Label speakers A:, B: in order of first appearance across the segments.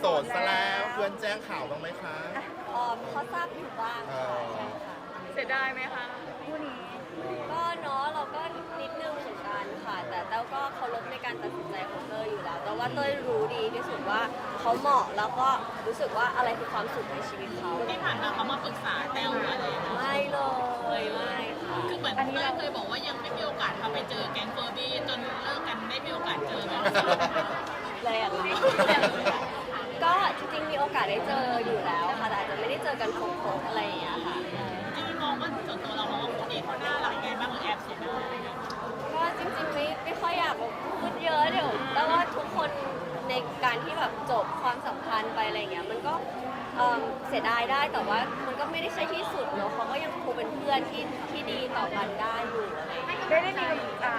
A: ดซะแล้วเพื่อนแจ้งข่าวบ้างไหมคะ
B: เขาทราบอยู่บ้างค่ะใช่ค่ะ
C: เสียดายไหมคะคู่นี้
B: ก็เนาะเราก็นิดนึงเหมือนกันค่ะ แต่เต้าก็เคารพในการตัดสินใจของเต้ยอยู่แล้วแต่ว่าเต้ยรู้ดีที่สุดว่าเขาเหมาะแล้วก็รู้สึกว่าอะไรคือความสุขในชีวิตเขา
D: ที่ผ่านมาเขามาปรึกษาแต้วอะไรนะ
B: ไม่เลยไม่ค่ะ
D: คือเหมือนเต้ยเคยบอกว่ายังไม่มีโอกาสเขาไปเจอแก๊งเฟอร์บี้จนเลิกกันได้มีโอกาสเจอไหม
B: แรงก็จริงๆมีโอกาสได้เจออยู่แล้วค่ะแต่อาจจะไม่ได้เจอกันครบๆอะไรอย่างเงี้ยค่ะ
D: จริงๆมองว่าส่วนตัวเรามองว่าคู่นี้เขาน่ารักยังไงบ้างหรือแอบเสียดาย
B: ก็จริงๆไม่ค่อยอยากพูดเยอะเดี๋ยวแต่ว่าทุกคนในการที่แบบจบความสัมพันธ์ไปอะไรเงี้ยมันก็เสียดายได้แต่ว่ามันก็ไม่ได้ใช่ที่สุดเนอะเขาก็ยังคงเป็นเพื่อนที่ดีต่อกันได้อยู่อะไรอย่างเงี้ย
C: ได้มี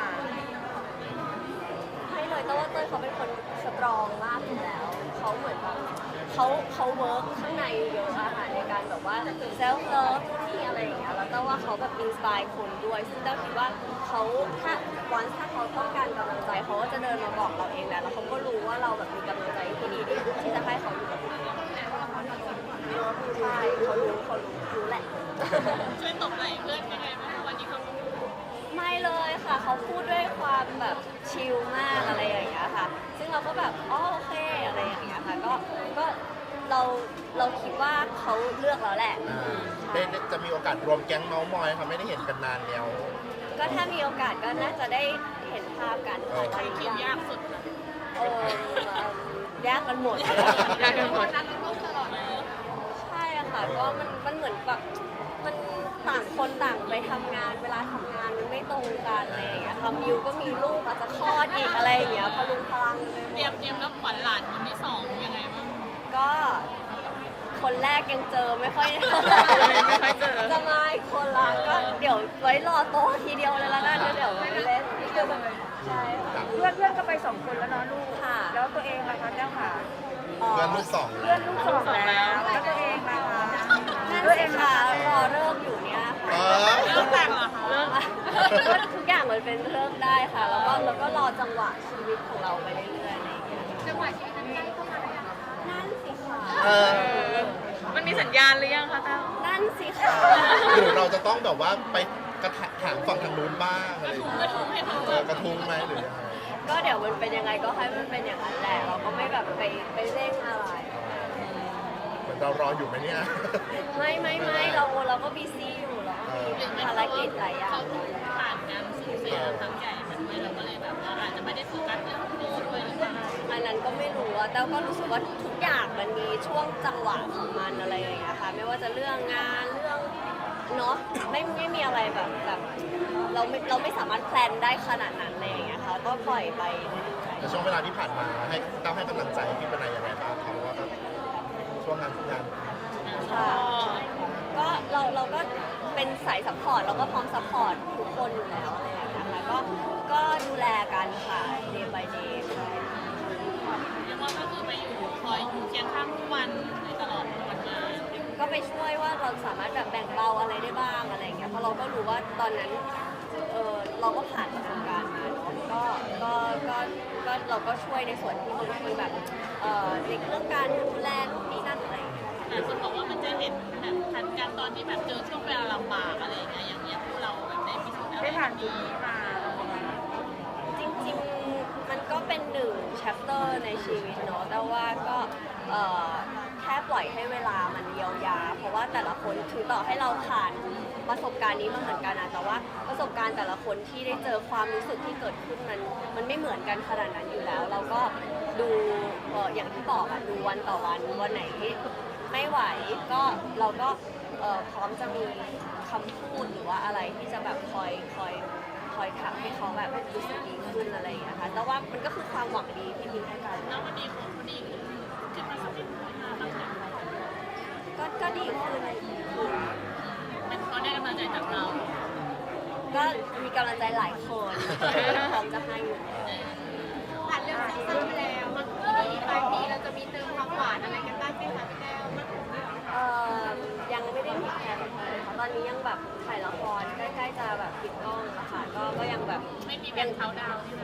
B: ให้เลยแต่ว่าเต้ยเขาเป็นคนสตรองมากอยู่แล้วเขาเหมือนแบบเขาเวิร์กข้างในเยอะอะค่ะในการแบบว่าเซลฟ์เลิฟที่อะไรอย่างเงี้ยแล้วแต่ว่าเขาแบบอินสปายคนด้วยซึ่งเต้าคิดว่าเขาถ้าเขาต้องการกำลังใจเขาก็จะเดินมาบอกเราเองแหละแล้วเขาก็รู้ว่าเราแบบมีกำลังใจที่ดีที่จะให้เขาอยู่กับเราใช่เขารู้แหละ
D: ช่วยตบไหล่เพื่อนยังไงบ้างวันนี้เขา
B: ไม่เลยค่ะเขาพูดด้วยความแบบชิลมากอะไรอย่างเงี้ยค่ะซึ่งเราก็แบบอ๋อโอเคอะไรอย่างเงี้ยค่ะก็เราคิดว่าเขาเลือกแล้วแหละ
A: ได้จะมีโอกาสรวมแก๊งเมาส์มอยค่ะไม่ได้เห็นกันนานแล้ว
B: ก็ถ้ามีโอกาสก็น่าจะได้เห็นภาพกันค่ะ
D: ใครคิวยากสุด
B: ยากกันหมด
C: ยากกันหมด
B: ใช่อะค่ะก็มันเหมือนแบบมันต่างคนต่างไปทำงานเวลาทำงานมันไม่ตรงกันอะไรอย่างเงี้ยค่ะมิวก็มีลูกอาจจะคลอดอีกอะไรอย่างเงี้ยพลุงพลังเลย
D: เตรียมรับขวัญหลานคนที่สองยังไงบ้าง
B: ก็คนแรกยังเจอไม่ค่อย จะมาอีกคนละก็เดี๋ยวไว้รอโตทีเดียวเลยละกันเดี๋ยวไปเล่นใช่ค่ะ
C: เพื่อนก็ไป2 คนแล้วเนาะลูก
B: ค่ะ
C: แล้วตัวเองล่ะคะเจ้าค่ะ
A: เพื่อนลูกสอง
C: เพื่อนลูก2แล้วแล้วตัวเองล่ะคะ
B: นั่น
C: ตัวเอ
B: สิ
C: ง
B: ค่ะ
C: ล่ะ
B: รอเริ่มอยู่เนี่ย
A: เอ
B: ค่ะ
A: อ
D: เริ่มแต่งเหรอคะ
B: ก็ทุกอย่างมันเป็นเริ่มได้ค่ะ แล้วก็รอจังหวะชีวิตของเราไปเรื่อยๆอะไรอย่างเงี้ย
D: จังหวะชีวิตนั้นใกล้เข้ามาแล้ว
B: นั่นสิค่ะ
A: เออ
C: มันมีสัญญาณหรือยังคะเต้า
B: นั่นสิค่ะ
A: หรือเราจะต้องแบบว่าไปกระถางฝั่งทางนู้นบ้างอะไรอย่างเงี้ยกระทุ้งไหมหรือยังไง
B: ก็เดี๋ยวมันเป็นยังไงก็ให้มันเป็นอย่างนั้นแหละเราก็ไม่แบบไปเร่งอะไร
A: เหมือนเรารออยู่ไหมเนี่ย
B: ไม่เราก็บีซี่อยู่เราก็มีภารกิจหลายอย่าง
D: ผ่านการสูญเสียครั้งใหญ่มาด้วยเราก็เลยแบบว่าอาจจะไม่ได้โฟกัสเรื่องลูกด้วยหรือเปล่า
B: อันนั้นก็ไม่รู้อะแต่ก็รู้สึกว่าทุกอย่างมันมีช่วงจังหวะของมันอะไรอย่างเงี้ยค่ะไม่ว่าจะเรื่องงานเรื่องเนาะไม่มีอะไรแบบเราไม่สามารถแพลนได้ขนาดนั้นอะไรอย่างเงี้ยค่ะก็ปล่อยไปเรื่อย
A: ในช่วงเวลาที่ผ่านมาให้ก้าวให้กำลังใจพี่เป็นอะไรยังไงบ้างครับว่าช่วงงานทุกงาน
B: ๆค่ะก็เราก็เป็นสายซัพพอร์ตเราก็พร้อมซัพพอร์ตทุกคนอยู่แล้วอะไรอย่างเงี้ยค่ะก็ดูแลกันค่ะ day by day ใช่
D: เรียกว่าก็คือไปอยู่คอยอยู่เคียงข้างทุกวันในตลอดวันงาน
B: ก็ไปช่วยว่าเราสามารถแบบแบ่งเบาอะไรได้บ้างอะไรอย่างเงี้ยเพราะเราก็รู้ว่าตอนนั้นเราก็ผ่านประสบการณ์มาก็เราก็ช่วยในส่วนที่บางทีแบบในเรื่องการดูแลนู่นนี่นั่นอะไรอย่างเงี้ย
D: แต่คนบอกว่ามันจะเห็นแบบทันกันตอนที่แบบเจอช่วงเวลาลำบากอะไรอย่างเงี้ยอย่างเงี้ยพวกเราแบบได้พิสูจน์อะไร
C: ได้ผ่านจุดนี้มา
B: จริงๆมันก็เป็นหนึ่ง chapter ในชีวิตเนาะแต่ว่าก็แค่ปล่อยให้เวลามันเยียวยาเพราะว่าแต่ละคนถึงต่อให้เราผ่านประสบการณ์นี้มาเหมือนกันนะแต่ว่าประสบการณ์แต่ละคนที่ได้เจอความรู้สึกที่เกิดขึ้นมันไม่เหมือนกันขนาดนั้นอยู่แล้ว เราก็ดูอย่างที่บอกอะดูวันต่อวันไหนที่ไม่ไหวก็เราก็พร้อมจะมีคำพูดหรือว่าอะไรที่จะแบบคอยทำให้เขาแบบรู้สึกดีขึ้นอะไรอย่างเงี้ยค่ะแต่ว่ามันก็คือความหวังดีที่มีให้กัน
D: แล้ววันนี้ของคนนี้ขึ้นมาสักนิดหนึ่งมาบ้างไหม
B: ก็ดีขึ้น
D: เป็นเขาได้กำลังใจจากเรา
B: ก็มีกำลังใจหลายคนพร้อมจะให้อยู่
D: ผ่านเรื่องสั้นๆไปแล้วมันปลายปีเราจะมีเติมความหวานอะไรกันบ้างไหมคะพี่แก้ว
B: ยังไม่ได้มีแผนเลยค่ะตอนนี้ยังแบบถ่ายละครใกล้ๆจะแบบปิดกล้องอะค่ะก็ยังแบบ
D: ไม่มีแบ่งเขาดาวที่เลย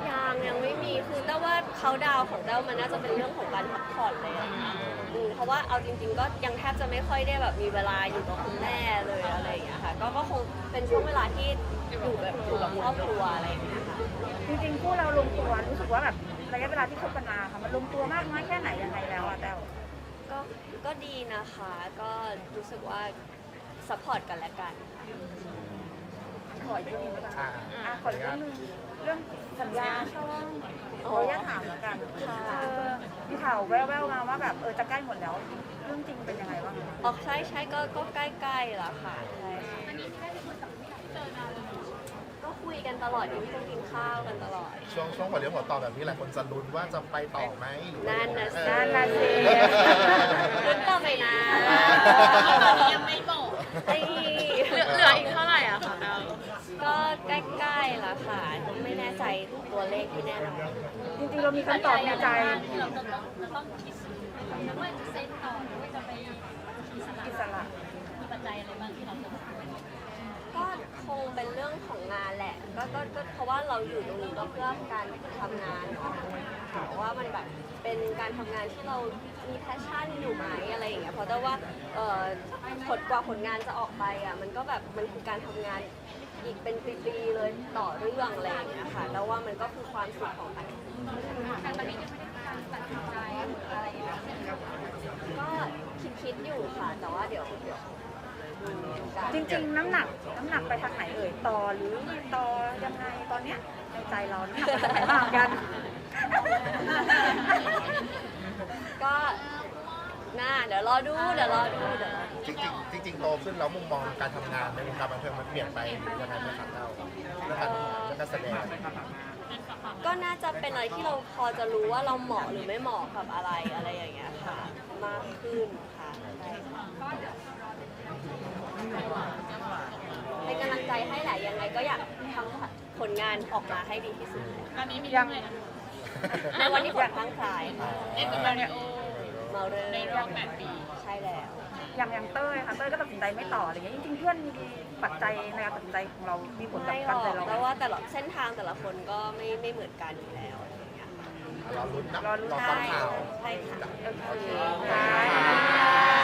B: ยังไม่มีคือแต่ว่าเขาดาวน์ของเต้ามันน่าจะเป็นเรื่องของการพักผ่อนเลยอะเพราะว่าเอาจริงๆก็ยังแทบจะไม่ค่อยได้แบบมีเวลาอยู่กับคุณแม่เลยอะไรอย่างเงี้ยค่ะก็คงเป็นช่วงเวลาที่อยู่กับครอบครัวอะไรอย่างเงี้ยค่ะ
C: จริงๆคู่เราลงตัวรู้สึกว่าแบบระยะเวลาที่คบกันมาค่ะมันลงตัวมากน้อยแค่ไหนยังไงแล้วอะแต้ว
B: ก็ดีนะคะ ก็รู้สึกว่าซัพพอร์ตกันและกันค่ะ
C: ขออีกเรื่องหนึงนะคะ
A: อ่า
C: ขออีกเรื่องหนึงเรื่องสัญญาช่องขออนุญาตถามแล้วกันมีข่าวแว่วๆมาว่าแบบจะใกล้หมดแล้วเรื่องจริงเป็นยังไงบ้างคะ
B: อ๋อใช่ก็ใกล้ๆแล้วค่ะใช่
D: อันนี้ที่ได้เป็นคนกับพี่เจอนานเลย
B: ก็คุยกันตลอดกินข้าวกันตลอด
A: ช่วงหัวเลี้ยวหัวต่อแบบนี้หลายคนจะลุ้นว่าจะไปต่อไหมหรือว่า
B: นั่นนะสิ
C: นั่นน่ะสิ
B: ลุ้นต่อไปนะ
D: ตอนนี้ยังไม่บอก
B: ไอ้
C: เหลืออีกเท่าไหร่อะคะแต้ว
B: ก็ใกล้ๆแล้วค่ะ ไม่แน่ใจตัวเลขที่แน่นอน
C: จริงๆเรามีคำตอบในใจ
D: ที่เราจะต้องคิดว่าจะเซ็นต่อหรือว่าจะไปอิสระ
C: อิสระ
D: มีปัจจัยอะไรบ้างที่เราจะ
B: ก็คงเป็นเรื่องของงานแหละก็เพราะว่าเราอยู่ตรงนี้ก็เพื่อการทำงานเนาะค่ะว่ามันแบบเป็นการทำงานที่เรามีแพชชั่นอยู่ไหมอะไรอย่างเงี้ยเพราะแต่ว่าผลงานจะออกไปอ่ะมันก็แบบมันคือการทำงานอีกเป็นปีๆเลยต่อเรื่องอะไรอย่างเงี้ยค่ะแล้วว่ามันก็คือความสุขของการ
D: แต่ตอนนี้ยังไม่ได้มีการตัดสินใจหรืออะไรอย่างเงี้ย
B: ก็คิดอยู่ค่ะแต่ว่าเดี๋ยวการ
C: จริงๆน้ำหนักไปทางไหนต่อหรือไม่ต่อยังไงตอนเนี้ยในใจเราน้ำหนักไปทางไหนบ้างกัน
B: ก็เดี๋ยวรอดูเดี๋ยวรอดู
A: จริงโตขึ้นแล้วมุมมองการทำงานในวงการบันเทิงมันเปลี่ยนไปหรือยังไงไหมครับเราเรื่องการแสดง
B: ก็น่าจะเป็นอะไรที่เราพอจะรู้ว่าเราเหมาะหรือไม่เหมาะกับอะไรอย่างเงี้ยค่ะ มากขึ้นค่ะใช่เป็นกำลังใจให้แหละยังไงก็อยากทำผลงานออกมาให้ดีที่สุด
D: ตอนนี้มี
C: ยัง
B: ในวันที่ผลตั้งคลาย
D: เล่นกับมาริโอ
B: เมาเรื่
D: ในรอบ8 ปี
B: ใช่แล้ว
C: อย่างเต้ยค่ะเต้ยก็ตัดสินใจไม่ต่ออะไรอย่างเงี้ยจริงๆเพื่อนมีปัจจัยในการตัดสินใจของเรามีผลกับ
B: ไม่หร
C: การ
B: อก
C: ตัดสินใจ
B: แต่
C: เรา
B: ว่าแต่ละเส้นทางแต่ละคนก็ไม่เหมือนกันอยู่แล้วอะไรอย่างเงี้ยค่ะ
A: รอลุ้นนะ
C: รอลุ้น
A: รอฟังข่าว
B: ใช่ค่ะ
C: โอเคค่ะ